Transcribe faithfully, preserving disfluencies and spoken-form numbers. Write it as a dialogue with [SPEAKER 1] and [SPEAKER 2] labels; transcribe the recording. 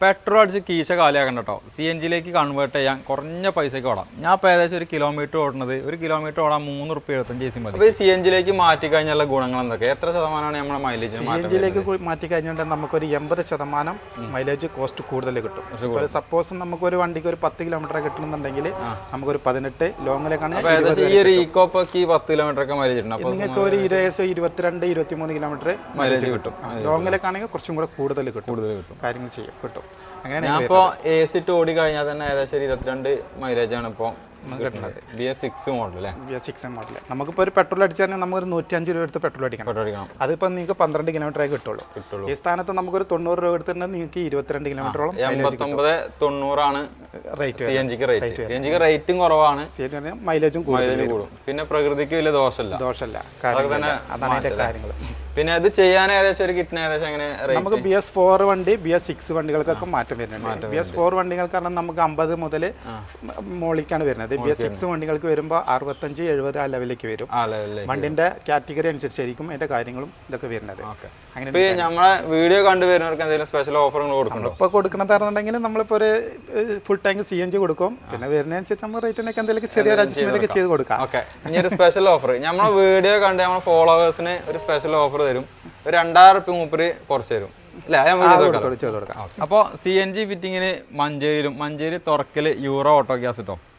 [SPEAKER 1] Petrol അടിച്ച് കീശ കാലിയാക്കണ്ട കേട്ടോ. C N ജിയിലേക്ക് കൺവേർട്ട് ചെയ്യാൻ കുറഞ്ഞ പൈസയ്ക്ക് ഓടാം. ഞാൻ ഇപ്പോൾ ഏകദേശം ഒരു കിലോമീറ്റർ ഓടുന്നത് ഒരു കിലോമീറ്റർ ഓടാൻ മൂന്ന് റുപ്യ എഴുപത്തഞ്ച് പൈസ മതി. അപ്പോൾ സി എൻ ജിയിലേക്ക് മാറ്റി കഴിഞ്ഞുള്ള ഗുണങ്ങൾ എന്തൊക്കെ? എത്ര ശതമാനമാണ് നമ്മുടെ മൈലേജ്?
[SPEAKER 2] സി എൻ ജിയിലേക്ക് മാറ്റി കഴിഞ്ഞാൽ നമുക്കൊരു എൺപത് ശതമാനം മൈലേജ് കോസ്റ്റ് കൂടുതൽ കിട്ടും. സപ്പോസ് നമുക്കൊരു വണ്ടിക്ക് ഒരു പത്ത് കിലോമീറ്റർ കിട്ടണമെന്നുണ്ടെങ്കിൽ നമുക്കൊരു പതിനെട്ട് ലോങ്ങിലേക്കാണ്.
[SPEAKER 1] ഈ ഒരു ഈക്കോപ്പൊക്കെ പത്ത് കിലോമീറ്റർ ഒക്കെ മൈലേജ് കിട്ടും.
[SPEAKER 2] അപ്പോൾ നിങ്ങൾക്ക് ഒരു ഏകദേശം ഇരുപത്തിരണ്ട് ഇരുപത്തി മൂന്ന് കിലോമീറ്റർ മൈലേജ് കിട്ടും. ലോങ്ങിലേക്കാണെങ്കിൽ കുറച്ചും കൂടെ കൂടുതൽ കിട്ടും കൂടുതൽ കിട്ടും കാര്യങ്ങൾ ചെയ്യും കിട്ടും.
[SPEAKER 1] ഞാൻ ഇപ്പോൾ എ സി ഇട്ട് ഓടി കഴിഞ്ഞാൽ തന്നെ ഏകദേശം ഇരുപത്തിരണ്ട് മൈലേജ് ആണ് ഇപ്പോൾ കിട്ടുന്നത്. ബി എസ് സിക്സ് മോഡൽ അല്ലേ?
[SPEAKER 2] ബി എസ് സിക്സ് മോഡൽ നമുക്കിപ്പോൾ ഒരു പെട്രോൾ അടിച്ചാൽ നമുക്കൊരു നൂറ്റി അഞ്ച് രൂപ എടുത്ത് പെട്രോൾ അടിക്കണം പെട്രോൾ അടിക്കണം അതിപ്പോൾ നിങ്ങൾക്ക് പന്ത്രണ്ട് കിലോമീറ്റർ ആയി കിട്ടുള്ളൂ കിട്ടുള്ളൂ ഈ സ്ഥാനത്ത് നമുക്കൊരു തൊണ്ണൂറ് രൂപ എടുത്തിട്ടുണ്ടെങ്കിൽ നിങ്ങൾക്ക് ഇരുപത്തിരണ്ട് കിലോമീറ്ററോളം
[SPEAKER 1] എൺപത്തൊമ്പത് തൊണ്ണൂറാണ് റേറ്റ്. സി എൻ ജിക്ക് റേറ്റ് സി എൻ ജിക്ക് റേറ്റും കുറവാണ്,
[SPEAKER 2] മൈലേജും
[SPEAKER 1] കൂടും. പിന്നെ പ്രകൃതിക്ക് വലിയ ദോഷമല്ല
[SPEAKER 2] ദോഷമല്ല അതാണ് അതിന്റെ കാര്യങ്ങൾ.
[SPEAKER 1] പിന്നെ അത് ചെയ്യാൻ ഏകദേശം ഒരു കിട്ടുന്ന ഏകദേശം അങ്ങനെ
[SPEAKER 2] നമുക്ക് ബി എസ് ഫോർ വണ്ടി ബി എസ് സിക്സ് വണ്ടികൾക്കൊക്കെ മാറ്റം വരുന്നുണ്ട്. ബി എസ് ഫോർ വണ്ടികൾക്ക് കാരണം നമുക്ക് അമ്പത് മുതൽ മോളിക്കാണ് വരുന്നത്. ബി എസ് സിക്സ് വണ്ടികൾക്ക് വരുമ്പോൾ അറുപത്തഞ്ച് എഴുപത് ആ ലെവലിലേക്ക് വരും. വണ്ടിന്റെ കാറ്റഗറി അനുസരിച്ചായിരിക്കും അതിന്റെ കാര്യങ്ങളും ഇതൊക്കെ വരുന്നത്.
[SPEAKER 1] അങ്ങനെ നമ്മളെ വീഡിയോ കണ്ടുവരുന്നവർക്ക് എന്തെങ്കിലും സ്പെഷ്യൽ ഓഫറുകൾ കൊടുക്കണം.
[SPEAKER 2] ഇപ്പോൾ കൊടുക്കണമെന്നുണ്ടെങ്കിൽ നമ്മളിപ്പോൾ ഒരു full tank C N G കൊടുക്കും. പിന്നെ വരുന്നതനുസരിച്ച് നമ്മൾ റേറ്റിനൊക്കെ എന്തെങ്കിലും ചെറിയ അഡ്ജസ്റ്റ്മെന്റ് ഒക്കെ ചെയ്ത് കൊടുക്കാം.
[SPEAKER 1] ഓക്കെ, ഇനി ഒരു സ്പെഷ്യൽ ഓഫർ നമ്മളെ വീഡിയോ കണ്ട് നമ്മുടെ ഫോളോവേഴ്സിന് ഒരു സ്പെഷ്യൽ ഓഫർ തരും. ഒരു രണ്ടായിരം റുപ്യ മൂപ്പര് കുറച്ച് തരും. അപ്പൊ സി എൻ ജി ഫിറ്റിങ്ങിന് മഞ്ചേരിയിലും Manjeri Thurakkal Euro Auto Gas കിട്ടും.